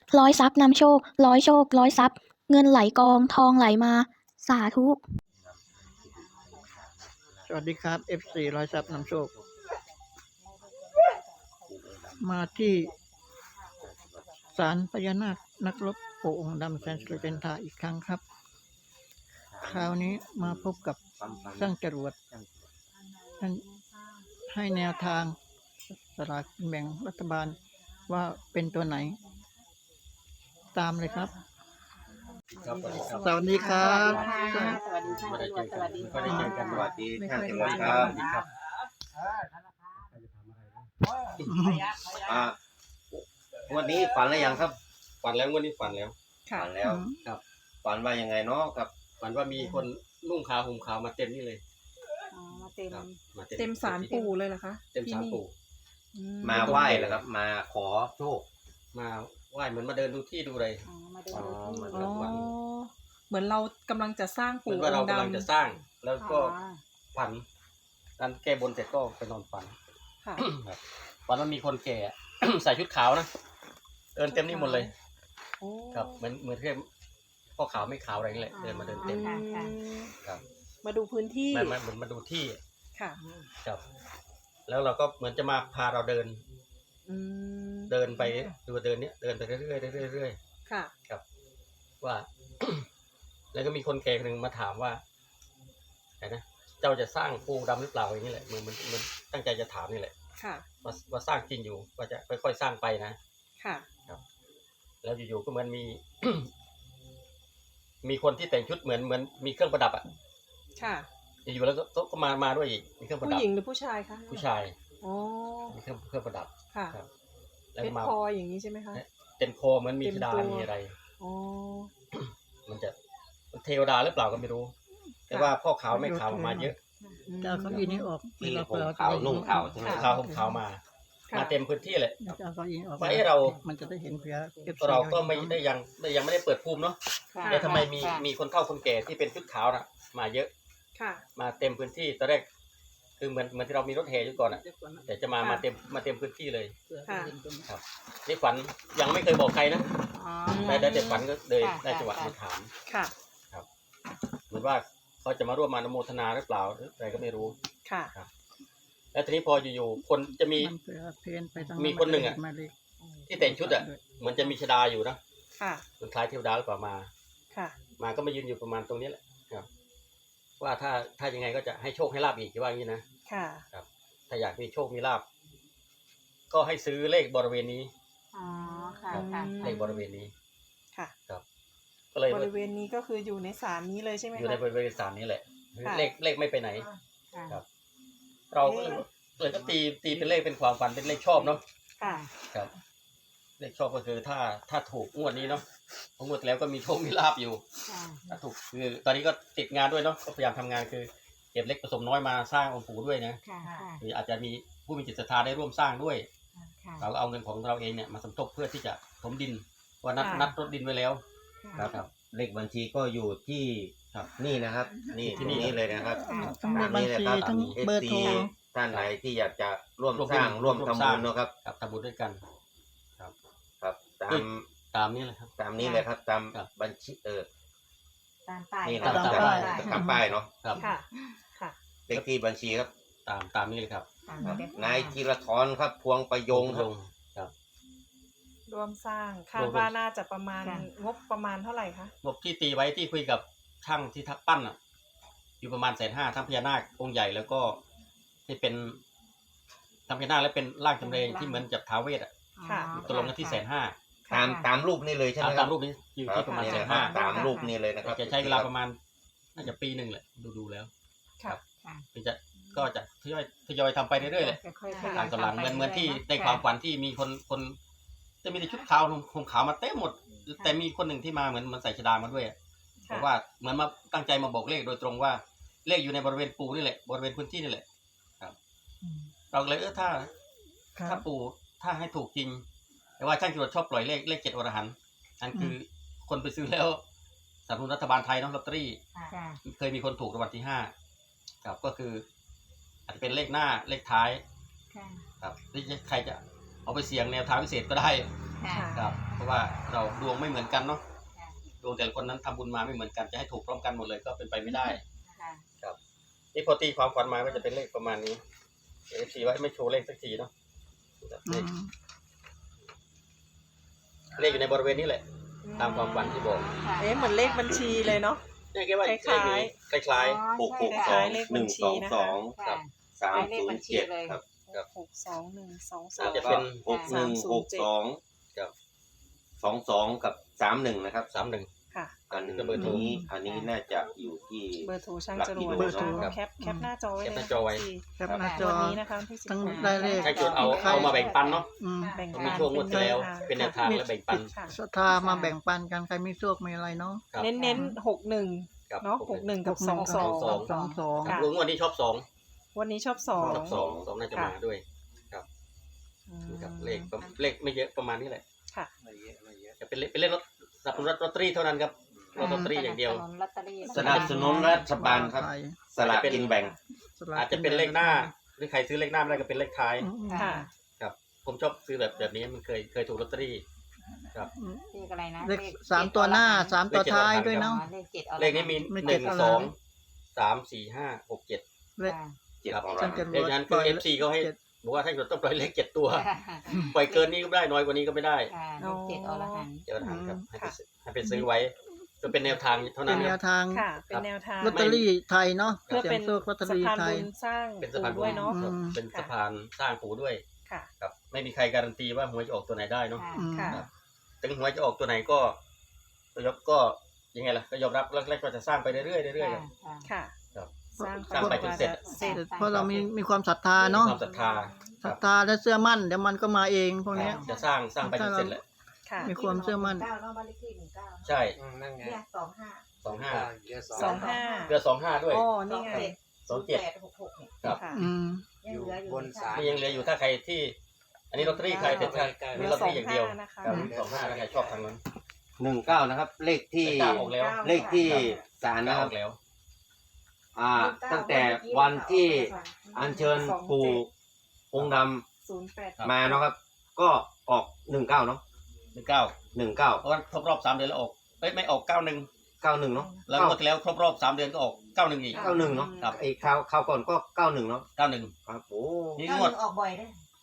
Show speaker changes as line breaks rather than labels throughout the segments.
ร้อยทรัพย์นำโชคร้อยโชคร้อยทรัพย์เงินไหลกองทองไหลมาสาธุ
สวัสดีครับ FC ร้อยทรัพย์นำโชคมาที่ศาลพญานาคนักรบปู่องค์ดำแสนสุริจันทราอีกครั้งครับ คราวนี้มาพบกับช่างจรวดท่านให้แนวทางสลากกินแบ่งรัฐบาลว่าเป็นตัวไหน ตามเลยครับ สวัสดีครับ
สวัสดีค่ะสวัสดีค่ะ
ไม่ได้เจอกัน
ส
ส
วั
วั
ส
ส
ดี
ดี
ค่ะ
ท่านเจริญครับวันนี้ฝันแล้วยังครับ
ฝันแล้วงวดนี้ฝันแล้ว
ฝันแล้ว
ครับ
ฝันว่ายังไงเนาะครับ
ฝันว่ามีคนนุ่งขาวห่มขาวมาเต็มนี่เลย
อ๋อมาเต็ม
ครับมา
เต็มศาลปู่เลยเหรอคะ
เต็มศาลปู่
อื
มาไหว้เหรอครับ มาขอโชค
มาไหว้เหมือนมาเดินดูที่ดูอะไร
อ๋อมาเดินดูที่
อ๋
อ๋อเหมือนเรากำลังจะสร้าง
เหมือ
ปู่
น
อ
ว่าเรา
งค์
กำลัง
ดำ
จะสร้าง แล้วก็
อ๋อ
ฝันการแก้บนเสร็จก็ไปนอนฝัน
ค่ะ
ครับฝันว่ามีคนแก่ ใส่ชุดขาวนะเดินเต็มนี่หมดเลย
โอ้
ครับเหมือนแค่พ่อขาวไม่ขาวอะไรนี่แหละเดินมาเดินเต็ม
อืม
ครับ
มาดูพื้นที่
เหมือนมาดูที่
ค่ะ
ครับ แล้วเราก็เหมือนจะมาพาเราเดิน
อืม
เดินไปดูเดินเนี้ยเดินไปเรื่อยๆเรื่อยๆ
ค่ะ
ครับว่า แล้วก็มีคนแก่คนหนึ่งมาถามว่าไงนะเจ้าจะสร้างปูดำหรือเปล่าอย่างนี้แหละมันตั้งใจจะถามนี่แหละ
ค่ะ
ว่าสร้างจริงอยู่ว่าจะค่อยๆสร้างไปนะ
ค่ะ
แล้วอยู่ๆก็เหมือนมี มีคนที่แต่งชุดเหมือนมีเครื่องประดับอ่ะ
ค่ะ
อยู่ๆแล้วก็มาด้วยอีกมีเครื่องประ
ผู้
ดับ
หญิงหรือผู้ชายคะ
ผู้ชาย
อ๋อ
มีเครื่องประดับ
ค่ะ
ครับ แล้ว
เพ
ก็
ชร
มา
พลอยอย่างนี้ใช่ไหมคะ
เต็มคอเหมือนมี
เต็ม
ธิดา
ตัว
มีอะไร
อ๋อ
มันจะเทวดาหรือเปล่าก็ไม่รู้ แต่ว่าพ่อขาวไม่ขาวออกมาเยอะ
จะเอาเก้าอี้นี้ออก
ที่ห่มขาวนุ่งขาวใช่ไหม
ขาวห่มขาวมา
ค่ะ
มาเต็มพื้นที่เลย
จะเอาเก้าอี้ออก
ว่าเรา
มันจะได้เห็นเพื่อ FC
เราก็ไม่ได้ยังไม่ได้เปิดภูมิเนาะ
ค่ะ
แต่ทำไมมีคนเฒ่าคนแก่ที่เป็นชุดขาวน่ะ มาเยอะ
ค่ะ
มาเต็มพื้นที่ตอนแรกคือเหมือนที่เรามีรถแห่อยู่ก่อนอ่ะแต่จะมาเต็มพื้นที่เลย
ค่ะ
ครับนี่ฝันยังไม่เคยบอกใครนะ
อ๋อ
ได้แต่ฝันก็เลย
ค่ะ
ได้จังหวะ
ค่ะ
มาถาม
ค่ะ
เหมือนว่าเขาจะมาร่วมมาอนุโมทนาหรือเปล่าหรืออะไรก็ไม่รู้
ค่ะ
แล้วทีนี้พออยู่ๆคนจะมี
มันเผื่อเพนไปทาง
มีคนหนึ่งอะ
มาเลย
ที่แต่งชุดอ่ะเหมือนจะมีชดาอยู่นะ
ค่ะ
มันคล้ายเทวดาหรือเปล่ามา
ค่ะ
มาก็มายืนอยู่ประมาณตรงนี้แหละครับ ว่าถ้ายังไงก็จะให้โชคให้ลาบอีกว่าอย่างนี้นะ
ค่ะ
ถ้าอยากมีโชคมีลาบก็ให้ซื้อเลขบริเวณนี้
อ๋อค่ะค่ะ
เลขบริเวณนี้
ค่ะ
ก็เลย
บริเวณนี้ก็คืออยู่ในศาลนี้เลยใช่ไหม
อยู่ใน
คะ
บริเวณศาลนี้แหละ
ค่ะ
เลขไม่ไปไหน
ค่ะ
ครับ เราก็เลยก็ตีเป็นเลขเป็นความฝันเป็นเลขชอบเนาะ
ค่ะ
ครับ เลขชอบก็คือถ้าถูกงวดนี้เนาะเพราะงวดแล้วก็มีโชคมีลาบอยู่
ค่ะ
ถ้าถูกคือตอนนี้ก็ติดงานด้วยเนาะก็พยายามทำงานคือเก็บเล็กผสมน้อยมาสร้างองค์ปู่ด้วยนะ
ค่ะค่ะ
หรืออาจจะมีผู้มีจิตศรัทธาได้ร่วมสร้างด้วย
ค่ะ
เราก็เอาเงินของเราเองเนี่ยมาสมทบเพื่อที่จะถมดินว่านัด
ค่ะ
นัดรถดินไว้แล้ว
ครับเลขบัญชีก็อยู่ที่
ครับ
นี่นะครับ นี่
ที่
ที่
นี่
นี่เลยนะครับ
ทั้งเลขบัญชีทั้งเบอร์โทร
ท่านไหนที่อยากจะร่วม
ร่วม
สร้าง
ร่วม
ร่วมทำ
สร้า
บุ
ง
ญเนอะครับ
ครับทำบุญด้วยกัน
ครับ
ตามนี้เลยครับ
ตามนี้เลยครับ ตาม
ครับ
บัญชี
ตามป้าย
นี่นะ
ตาม
ตาม
ป้าย
ตามป้ายเนาะ
ครับ
ค่ะ ค่ะ
เลขที่บัญชีครับ
ตามนี้เลยครับ
ตาม
ครับ
เรียบร้อย
นายธีรทรครับ พวงประยงครับ
ครับ
ร่วมสร้างคาด
ร่วม
ว่าน่าจะประมาณงบประมาณเท่าไหร่คะ
งบที่ตีไว้ที่คุยกับช่างที่ทักปั้นอ่ะ อยู่ประมาณ150,000ทั้งพญานาคองค์ใหญ่แล้วก็ที่เป็นทำพญานาคแล้วเป็นร่างจำเรงที่เหมือนจับท้าวเวสอ่ะ
ค่ะ
ตกลงกันที่150,000
ตามรูปนี่เลยใช่ไหมค
ตา
รั
ม
บ
รูปนี้อยู่ที่ประมาณ
นี่
แส
เลย
น
ครั
ห้า
บตามรูปนี่เลยนะครับ
จะใช้เวลาประมาณน่าจะปีหนึ่งแหละดูแล้ว
ค่ะ
ค่ะ
ก็จะทยอยทำไปเรื่อยๆเลย
ค่อยๆ
หลังต่อหลัง
ทำไป
เหมือนที่
รื่ยๆ
ในความฝันที่มีคนจะมีแต่ชุดขาวห่มขาวมาเต็มหมด แต่มีคนหนึ่งที่มาเหมือนมันใส่ชดามาด้วยอะ
ค่ะ
บอกว่าเหมือนมาตั้งใจมาบอกเลขโดยตรงว่าเลขอยู่ในบริเวณปูนี่แหละบริเวณพื้นที่นี่แหละครับ เราเลยถ้า
ครับ
ปูถ้าให้ถูกจริง แต่ว่าช่างจรวดชอบปล่อยเลข7อรหันต์นั่นคือคนไปซื้อแล้วสนับสนุนรัฐบาลไทยเนาะลอตเตอรี่
ค่ะ
เคยมีคนถูกรางวัลที่5ครับก็คือ อาจจะเป็นเลขหน้าเลขท้าย
ค่ะ
ครับที่ใครจะเอาไปเสี่ยงแนวทางพิเศษก็ได้
ค่ะ
ครับเพราะว่าเราดวงไม่เหมือนกันเนาะดวงแต่ละคนนั้นทำบุญมาไม่เหมือนกันจะให้ถูกพร้อมกันหมดเลยก็เป็นไปไม่ได้
ค่ะ
นี่พอตีความฝันมาก็จะเป็นเลขประมาณนี้FCว่าไม่โชว์เลขสักทีเนาะ
อืม
เลขอยู่ในบริเวณนี้แหละ ตามความฝันที่บอก
เอ๊ะเหมือนเลขบัญชีเลยเนาะ
เนี่ยแกว่า
คล้ายๆ
เลขนี้คล้าย
หกหกส
ค
อ
ล้าง ยๆเลข
ห
บั
นึ่
ญ
ง
ชี
สอง
นะคะ
สอง
ค่ะ
สามศูนย์เจ็ดครับ
62122
อาจจะเป็น
หกหนึ่งหกสอง
กับ
22กับ31นะครับ
31
ค่ะ
อันนี้
ก็เบอร์โทร
อันนี้น่าจะอยู่ที่
เบอร์โทรช่างจรวด
เบอร์โทร
นะคะแคปหน้าจอไว้เลย
แคปหน้าจอไว้
แคปหน้าจอ
วันนี้นะคะวันที่
ทั้ง
16
ได้เลข
ให้จดเอามาแบ่งปันเนาะ
อืม
แบ่ง
ก็
ปัน
มีช่วงงวดที่แล้วเป็นแนวทางและแบ่งปัน
ค่ะ
ศรัทธามาแบ่งปันกันใครมีโชคมีอะไรเนาะ
ครับ
เน้นๆ61
ครับ
เนาะ61กับ
สอง
22 ค่ะ
ลุงวันนี้ชอบ2
วันนี้ชอบ
ชอบ
2
2น่าจะมาด้วย
อืม
กับเลขไม่เยอะประมาณนี้แหละ
ค่ะ
จะเป็นเลขรถสับปะรดลอตเตอรี่เท่านั้นครับลอตเตอรี่อย่างเดียว
ลอตเตอรี่
สนับสนุนรัฐบาลครับ
ไทย
สลากกินแบ่ง
สลก
อาจจะเป็นเลขหน้า หรือใครซื้อเลขหน้าไม่ได้ก็เป็นเลขท้าย
อืม
ค่ะ
ครับ ผมชอบซื้อแบบนี้มันเคยถูกลอตเตอรี่ ครับ
เลขอะไรนะ
เลข3ตัวหน้า3ตัวท้ายด้วย
เนาะ
เนาะ
เลขเจ็ดเอา
เลขนี้มี
ไม่
ห
เจ็
นึ่
ด
ง
อะไร
สองสามสี่ห้าหกเจ็ด
เลข
เจ็ด
ครับ
ของ
ช่า
เรา
งจร
เล
ว
ข
ด
นั้น
ป
คื
ล่
อ
อย
FC เขาให้
เจ็ด
บอกว่าถ้าเกิดต้องปล่อยเลข7ตัว ปล่อยเกินนี้ก็ไม่ได้น้อยกว่านี้ก็ไม่ได้
ค่ะเลขเจ็ดอรหันต์
เจอทางครับ
อืม
ให้ไปซื้อไว้ก็เป็นแนวทางเท่า
เป็
นั้น น
แน
คว รับ
ทาง
ค่ะ เป็นแนวทาง
ลอตเตอรี่ไทยเนาะ
เพื่อ
เสีย
เป็
ง
น
โชคลอตเตอ
สะ
รี่
พาน
ไทย
บุญสร้าง
เป็นสะพาน
ปู่ด้วยเนาะ
อืม
เป็นสะพานสร้างปู่ด้วย
ค่ะ
ครับ ไม่มีใครการันตีว่าหวยจะออกตัวไหนได้เนาะ
ค่ะ
อืม
ค่ะ
ถึงหวยจะออกตัวไหนก็ยังไงล่ะก็ยอมรับแรกๆก็จะสร้างไปเรื่อยๆเรื่อยๆครับ
ค่ะ
ค่ะ
ครับ
สร้าง
สร้างไปจนเสร็จ
เสร็จ
เพราะเรามีความศรัทธาเนาะ
ความศรัทธาค
ศรั
รั
ท
บ
ธาและเชื่อมั่นเดี๋ยวมันก็มาเองพวกเนี้ย
จะสร้างไปจนเสร็จแหละ
ค่ะ
มีความเชื่อมั่น
เก้าเนาะบ้านเลขที่19
ใช่
นั่นไง
เนี่ย25
25
25
เรือ25ด้วย
อ๋อ นี่ไง
27
6866เนี่ย
ครับ
ค่ะ
อืม
ยังเหลืออยู่
บนศาล
นี่ยังเหลืออยู่ถ้าใครที่ อันนี้ลอตเตอรี่ใครแต่ถ้ามีลอตเตอรี่อย่างเดียว
25นะคะ
ครับ25ถ้าใครชอบทางนั้น
19นะครับ เลขที่
เลข9ออกแล้ว
เลขที่ศาล
9
นะ
อ
ครั
อบ กแล้ว
ตั้งแต่วันที่อัญเชิญปู่องค์ด
08
ำมาเนาะครับ ก็ออก19เนาะ
19
19
เพราะว่าครบรอบ3 เดือนแล้วออกไม่ออก 91
91เนาะ
แล้วงวดที่แล้วครบรอบ3 เดือนก็ออก 91 อีก
91เนาะ
ครับ
ไอ้คราวก่อนก็91เนาะ
91
ครับโอ้
นี่
ก้าง
วด
ออกบ่อยได้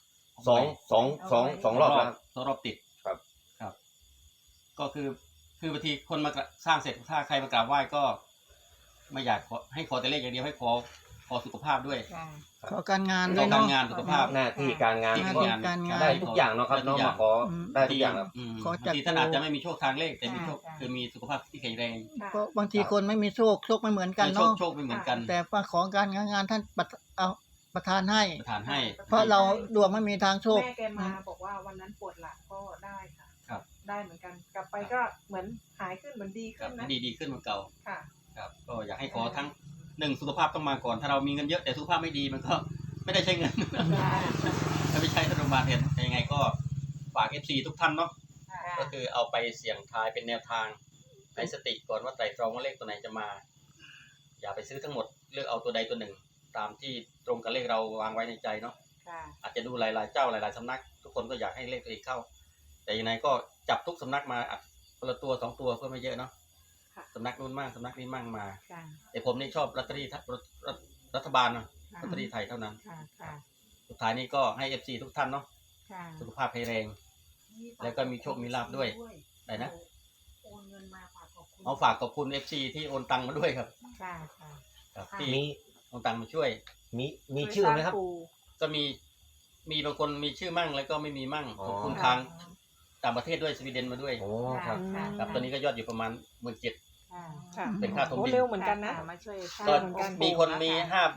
สองรอบแล้วครับ
2 รอบติด
ครับ
ครับ ก็คือบางทีคนมาสร้างเสร็จถ้าใครมากราบไหว้ก็ ไม่อยากให้ขอแต่เลขอย่างเดียวให้ขอสุขภาพด้วย
ค่ะ
ขอการงาน
ข
ด้
อ
วย
การ
เนาะ
งานสุขภาพ
หน้าที่การงาน
หน้า
ก็
ที่
การงาน
ได้ทุกอย่างเนาะครับเนาะมาขอได้ทุกอย่างครับ
ขอจั
บา
ด
งทีท่านอาจจะไม่มีโชคทางเลขแต่มีโชค
ค่ะ
คือมีสุขภาพที่แข็งแรง
ค่ะ
เพราะบางทีคนไม่มีโชคไม่เหมือนกัน
โชค
เนาะ
โชคไม่เหมือนกัน
แต่ว่าของการงานท่านเอาประทานให้
ประทานให้
เพราะเราดวงไม่มีทางโชค
แม่แกมาบอกว่าวันนั้นปวดหลังก็ได้ค่ะ
ครับ
ได้เหมือนกัน กลับไปก็เหมือนหายขึ้นเหมือนดี
ครั
ขึ้
บ
นนะ
ดีขึ้นเหมือนเก่า
ค่ะ
ครับก็อยากให้ขอทั้ง1สุขภาพต้องมาก่อน ถ้าเรามีเงินเยอะแต่สุขภาพไม่ดีมันก็ไม่ได้ใช้เงิน ถ้าไม่ใช้ธนบัตรเห็นยังไงก็ฝาก FC ทุกท่านเนาะก็คือเอาไปเสี่ยงทายเป็นแนวทางในสติก่อนว่าไตรตรองว่าเลขตัวไหนจะมา อย่าไปซื้อทั้งหมดเลือกเอาตัวใดตัวหนึ่ง ตามที่ตรงกับเลขเราวางไว้ในใจเนาะ
ค่ะ
อาจจะดูหลายๆเจ้าหลายๆสำนัก ทุกคนก็อยากให้เลขตัวเองเข้า แต่ยังไงก็จับทุกสำนักมาอัดคนละตัว2 ตัวก็ไม่เยอะเนาะ
ค่ะ
สำนักนู้นมั่งสำนักนี้มั่งมา
ค่ะ
แต่ผมนี่ชอบลอตเตอรี่รัฐบาลเนาะลอตเตอรี่ไทยเท่านั้น
ค่ะค่ะ
สุดท้ายนี้ก็ให้ FC ทุกท่านเนาะ
ค่ะ
สุขภาพแข็งแรง แล้วก็มีโชคมีลาภด้วยได้นะ
โอนเงินมาฝากขอบคุณ
เอาฝากขอบคุณ FC ที่โอนตังมาด้วยครับ
ค่ะค่ะ
ครับที่
มี
โอนตังมาช่วย
มีชื่อไหมครับ
ก็มีบางคนมีชื่อมั่งแล้วก็ไม่มีมั่ง
อ๋อ
ขอบคุณทางต่างประเทศด้วยสวีเดนมาด้วย
โอ้ครับ
ค่ะ
ครับตอนนี้ก็ยอดอยู่ประมาณ17,000
ค่ะ
ค่ะ
เป็นค่าถมดิน
โอ้เร็วเหมือนกันนะ
มาช่วย
ก็
เหมือนกัน
มีคนมี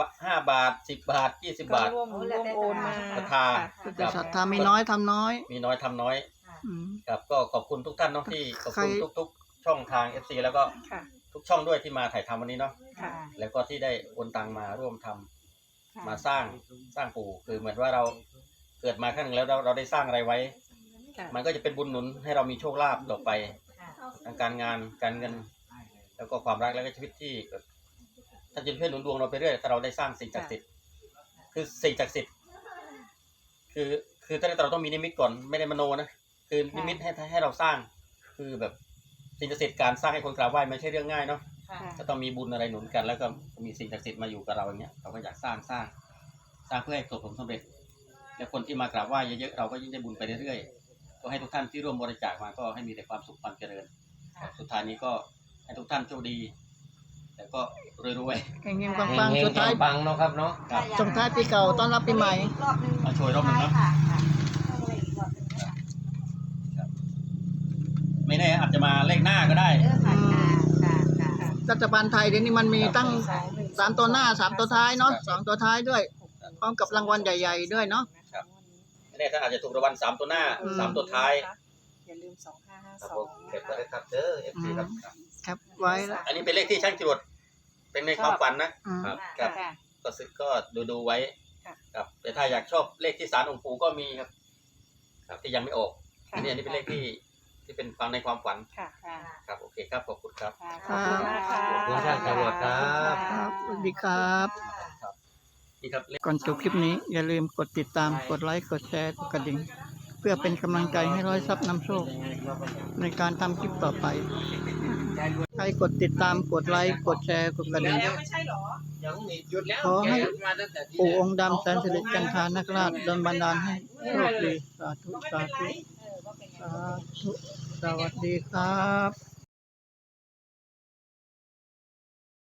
5 บาท 10 บาท 20
ก็
บาท
ร่วมโอนมา
ศรัทธา
คือจะศรัทธามีน้อยทำน้อย
มีน้อยทำน้อย
อืม
ครับก็ขอบคุณทุกท่านเนาะที่ขอบคุณ
ใคร
ทุกๆ ช่องทาง FC แล้วก็
ค่ะ
ทุกช่องด้วยที่มาถ่ายทำวันนี้เนาะ
ค่ะ
แล้วก็ที่ได้โอนตังมาร่วมทำ
ค่ะ
มาสร้างปู่คือเหมือนว่าเราเกิดมาครั้งหนึ่งแล้วเราได้สร้างอะไรไว้
ค่ะ
มันก็จะเป็นบุญหนุนให้เรามีโชคลาภต่อไป
ค่ะ
ทางการงานการเงิน แล้วก็ความรักแล้วก็ชีวิตที่แบบท่านจะช่วยหนุนดวงเราไปเรื่อยถ้าเราได้สร้างสิ่งศักดิ์สิทธิ์คือสิ่งศักดิ์สิทธิ์คือถ้าเราต้องมีนิมิตก่อนไม่ได้มโนนะคือนิมิตให้เราสร้าง คือแบบสิ่งศักดิ์สิทธิ์การสร้างให้คนกราบไหว้ไม่ใช่เรื่องง่ายเนาะ
ค่ะ
ก็ต้องมีบุญอะไรหนุนกัน แล้วก็มีสิ่งศักดิ์สิทธิ์มาอยู่กับเราอย่างเงี้ยเราก็อยากสร้างเพื่อให้ประสบผลสำเร็จ และคนที่มากราบไหว้เยอะๆเราก็ยิ่งได้บุญไปเรื่อยๆก็ให้ทุกท่านที่ร่วมบริจาคมาก็ให้มีแต่ความสุขความเจริญ สุดท้ายนี้ก็ให้ทุกท่านโชคดีแต่ก็รวย
เฮงๆปังๆสุดท้าย
ปังๆเนาะครับเนาะ
ๆครับ
ส่งท้ายปีเก่าต้อนรับปีใหม่
รอบนึง
มาช่วยรอบหนึ่งเนาะ
ค่ะอีกรอบนึงนะคะ
ไม่แน่อาจจะมาเลขหน้าก็ได้
เออค่ะค่ะ
รัฐบาลไทยเดี๋ยวนี้มันมีตั้ง3 ตัวหน้า 3 ตัวท้ายเนาะ2 ตัวท้ายด้วย พร้อมกับรางวัลใหญ่ๆด้วยเนาะ
ไม่แน่ถ้าอาจจะถูกรางวัล3 ตัวหน้า 3 ตัวท้าย
อย่าลืม
ครับผม
2552
เก็บไว้เลยครับเด้อ FC ครับ
ครับไว้แล้ว
อันนี้เป็นเลขที่ช่างจรวดเป็นในความฝันนะ
อืม
ครับ
ค่ะ
ก็ซื้อก็ดูไว้
ค่ะ
ครับแต่ถ้าอยากชอบเลขที่ศาลองค์ปู่ก็มีครับ ครับที่ยังไม่ออก
ค่ะ
อันนี้เป็นเลขที่เป็นความในความฝัน
ค่ะ
ค่ะ
ครับโอเคครับขอบคุณครับ
ค่ะขอบคุณมากค่ะ
ขอบคุณช่างจรวดครับ
ครับสวัสดีครับ
นี่ครับเลข
ก่อนจบคลิปนี้อย่าลืมกดติดตามกดไลค์กดแชร์กดกระดิ่งเพื่อเป็นกำลังใจให้ร้อยทรัพย์นำโชคในการทำคลิปต่อไป ใครกดติดตามกดไลค์กดแชร์กดกระดิ่ง
ไม่ใช่หรอ
ขอให้ปู่องค์ดำแสนสิริจันทานักราชดลบันดาลให้โชคดีสาธุสาธุสาธุสวัสดีครับ